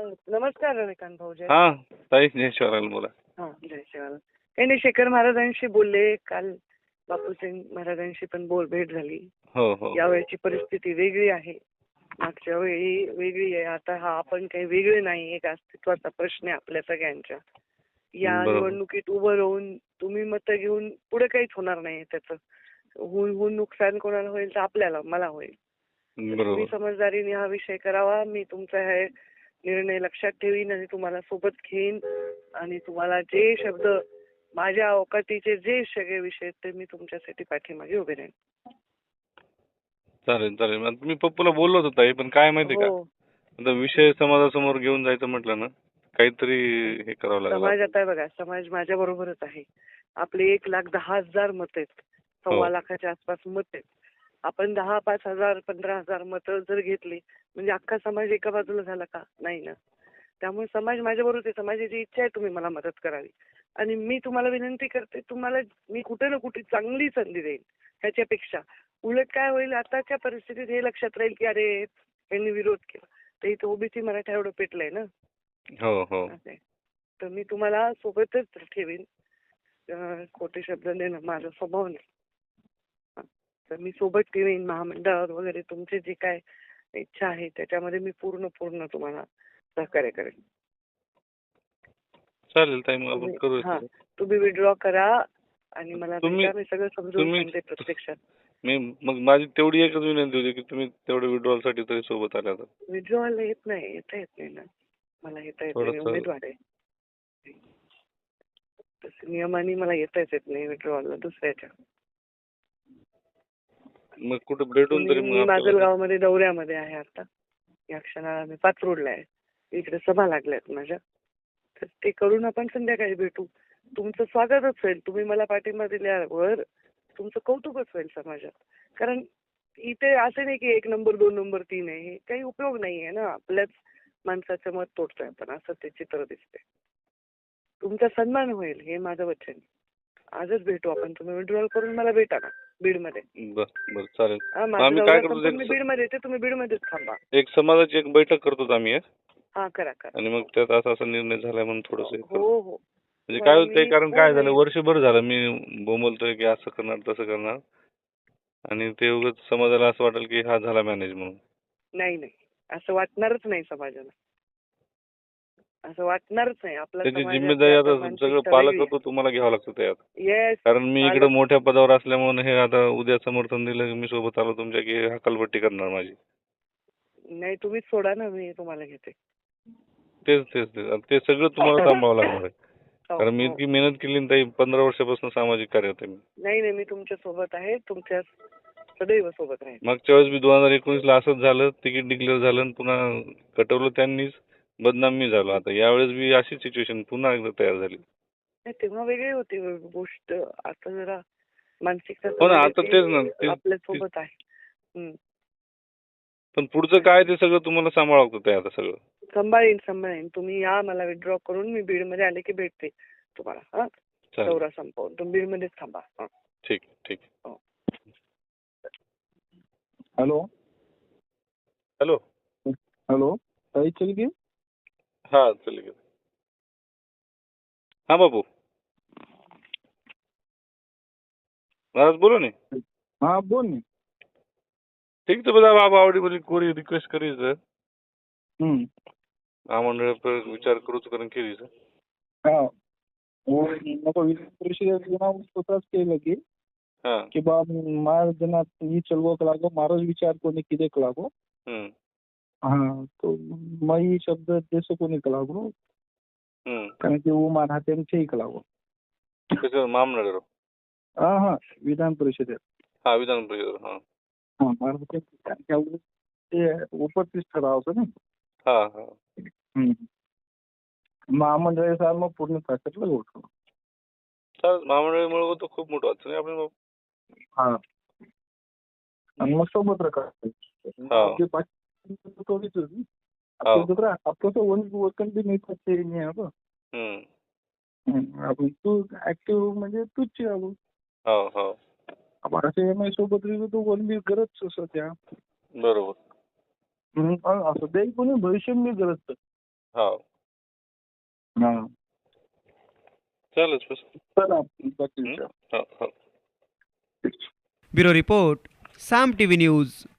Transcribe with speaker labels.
Speaker 1: नमस्कार रविकांत भाऊजी.
Speaker 2: हा ताई जय शिवराल बोला.
Speaker 1: हा जय शिवाला. काही नाही, शेखर महाराजांशी बोलले काल. बापूसिंग महाराजांशी पण भेट झाली.
Speaker 2: हो हो
Speaker 1: यावेळची परिस्थिती वेगळी आहे, मागच्या वेळी वेगळी आहे. आता हा आपण काही वेगळे नाही, एक अस्तित्वाचा प्रश्न आहे आपल्या सगळ्यांच्या. या
Speaker 2: बरोबर.
Speaker 1: निवडणुकीत उभं राहून तुम्ही मतं घेऊन पुढे काहीच होणार नाही. त्याचं होऊन नुकसान कोणाला होईल तर आपल्याला, मला होईल. तुम्ही
Speaker 2: बरोबर
Speaker 1: समजदारीने हा विषय करावा. मी तुमचा हे निर्णय लक्षात ठेवीन आणि तुम्हाला सोबत घेईन आणि तुम्हाला जे शब्द माझ्या अवकाटीचे जे सगळे विषय ते मी तुमच्यासाठी पाठीमागे उभे राहीन.
Speaker 2: चालेल चालेल. आता मी पप्पूला बोललो होतो ताई, पण काय माहिती का,
Speaker 1: हो,
Speaker 2: आता विषय समाजासमोर घेऊन जायचं म्हटलं ना, काहीतरी हे करावं लागेल.
Speaker 1: समाज आता आहे बघा, समाज माझ्या बरोबरच आहे. आपले 1,10,000 मत आहेत,
Speaker 2: हो
Speaker 1: 1,15,00,000 आसपास मत आहेत. आपण 10, 5,000, 15,000 मतं जर घेतली म्हणजे अख्खा समाज एका बाजूला झाला का? नाही ना. त्यामुळे समाज माझ्या बरोबर आहे. समाजाची इच्छा आहे तुम्ही मला मदत करावी आणि मी तुम्हाला विनंती करते, तुम्हाला मी कुठे ना कुठे चांगली संधी देईन. ह्याच्यापेक्षा उलट काय होईल, आताच्या परिस्थितीत हे लक्षात राहील की अरे यांनी विरोध केला तर इथं ओबीसी मराठा एवढं पेटलंय ना.
Speaker 2: हो हो
Speaker 1: असं आहे. तर मी तुम्हाला सोबतच ठेवीन. खोटे शब्द देणं माझा स्वभाव नाही. तर मी सोबत ठेवीन. महामंडळावर वगैरे तुमची जी काय इच्छा आहे त्याच्यामध्ये मी पूर्ण तुम्हाला सहकार्य करेन.
Speaker 2: चालेल ताई, मग आपण
Speaker 1: तुम्ही
Speaker 2: करूया.
Speaker 1: तुम्ही विड्रॉ करा आणि मला
Speaker 2: तुम्ही
Speaker 1: भेटा. मी सगळं समजून सांगते प्रत्यक्षात.
Speaker 2: मी मग माझी तेवढी एकच विनंती होती की तुम्ही तेवढे विड्रॉल साठी तरी सोबत आल्या तर
Speaker 1: विड्रॉला येत नाही ना. मला येता येत नाही, मी
Speaker 2: थोडस.
Speaker 1: उमेदवार आहे. तसं नियमाने मला येताच येत नाही विड्रॉला दुसऱ्याच्या.
Speaker 2: मग कुठे भेटून तरी
Speaker 1: मी
Speaker 2: मग
Speaker 1: माजलगावमध्ये दौऱ्यामध्ये आहे आता. या क्षणाला मी पाचरोडला आहे. इकडे सभा लागल्यात माझ्या, तर ते करून आपण संध्याकाळी भेटू. तुमचं स्वागतच होईल. तुम्ही मला पाठिंबा दिल्यावर तुमचं कौतुकच होईल समाजात. कारण इथे असं नाही की 1 नंबर 2 नंबर 3 आहे. हे काही उपयोग नाहीये ना. आपल्याच माणसाचं मत तोडतोय आपण, असं ते चित्र दिसते. तुमचा सन्मान होईल हे माझं वचन. आजच भेटू आपण. तुम्ही विड्रॉल करून मला भेटा ना बीडमध्ये.
Speaker 2: बरं चालेल.
Speaker 1: माझा
Speaker 2: आम्ही
Speaker 1: दौरा
Speaker 2: काय करतो,
Speaker 1: संपून मी बीडमध्ये येते, तुम्ही बीडमध्येच थांबा.
Speaker 2: एक समाजाची एक बैठक करतो आम्ही
Speaker 1: हा करा.
Speaker 2: आणि मग त्यात असा निर्णय झाला म्हणून थोडस
Speaker 1: हो.
Speaker 2: म्हणजे काय होतं, कारण काय झालं,
Speaker 1: नाही.
Speaker 2: वर्षभर झालं मी बोंबलतोय की असं करणार तसं करणार, आणि ते उगाच समाजाला असं वाटेल की हा झाला मॅनेज म्हणून.
Speaker 1: नाही, असं वाटणारच नाही समाजाला. असं वाटणारच नाही. आपला
Speaker 2: त्याची
Speaker 1: समाज
Speaker 2: जिम्मेदारी आता सगळं पालकत्व तुम्हाला घ्यावं लागतं त्यात.
Speaker 1: येस.
Speaker 2: कारण मी इकडे मोठ्या पदावर असल्यामुळे हे आता उद्या समर्थन दिलं की मी सोबत आलो तुमच्या की हकालपट्टी करणार माझी.
Speaker 1: नाही, तुम्हीच सोडा ना, मी तुम्हाला घेते.
Speaker 2: तेच ते सगळं तुम्हाला सांभाळावं लागणार आहे. कारण मी
Speaker 1: हो.
Speaker 2: इतकी मेहनत केली ना ताई, 15 वर्षापासून सामाजिक कार्यात आहे मी.
Speaker 1: नाही, मी तुमच्या सोबत आहे. तुमच्या सदैव सोबत राहील.
Speaker 2: मागच्या वेळेस 2019 ला असंच झालं, तिकीट डिक्लेअर झालं आणि पुन्हा कटवलं त्यांनीच, बदनाम मी झालो. आता यावेळेस बी अशी सिच्युएशन पुन्हा एकदा तयार झाली.
Speaker 1: तेव्हा वेगळी होती गोष्ट. आता जरा मानसिकता
Speaker 2: हो ना, आता तेच ना,
Speaker 1: आपल्या सोबत आहे.
Speaker 2: पण पुढचं काय ते सगळं तुम्हाला सांभाळावं लागतं ते आता सगळं.
Speaker 1: सांभाळीन. तुम्ही या, मला विड्रॉ करून मी बीडमध्ये आले की भेटते तुम्हाला. हा, दौरा संपवून तुम्ही बीडमध्येच थांबा.
Speaker 2: ठीक.
Speaker 1: हो.
Speaker 3: हॅलो ताई चलगी.
Speaker 2: हा चल गे. हा बाबू महाराज बोलो ने.
Speaker 3: हाँ बोल नहीं.
Speaker 2: ठीक तो બધા બાપ આવડી બધી કોરી રિક્વેસ્ટ કરી છે. આ મંડળ પર વિચાર કરું છું કરીને કેવી છે.
Speaker 3: हाँ वो नको विधान परिषदेत येऊन स्वतःच केलं
Speaker 2: हा
Speaker 3: की बा मार जनात ही चलवक लागो मारोच विचार कोणी किदेक लागो. हाँ तो मई शब्द देशो कोणी लागो कारण की वो मान हात्यांचे एक लागो.
Speaker 2: कसं महामंडळ.
Speaker 3: हाँ विधान परिषदेत.
Speaker 2: हा विधान परिषद. हा
Speaker 3: हाँ मार ते उपस्थित ठरावचं ना.
Speaker 2: हा
Speaker 3: महामंडळ साहेब मग पूर्ण ताकदला गोठवलं.
Speaker 2: चालेल, महामंडळामुळे तो खूप मोठं वाटतं नाही आपण बाबू.
Speaker 3: हा आणि मग सोबत आपले आपलं तो वकन बी नाही पाहिजे नाही आपण तू ऍक्टिव्ह म्हणजे तूच
Speaker 2: हो
Speaker 3: आपण असे एम आय सोबत तो वन बी गरज असं त्या
Speaker 2: बरोबर.
Speaker 3: असं ते कोणी भविष्य बी गरज
Speaker 2: हो
Speaker 3: हा
Speaker 2: चालेल बस.
Speaker 3: चला बाकी विचार.
Speaker 2: हो हो.
Speaker 4: Bureau report Saam TV news.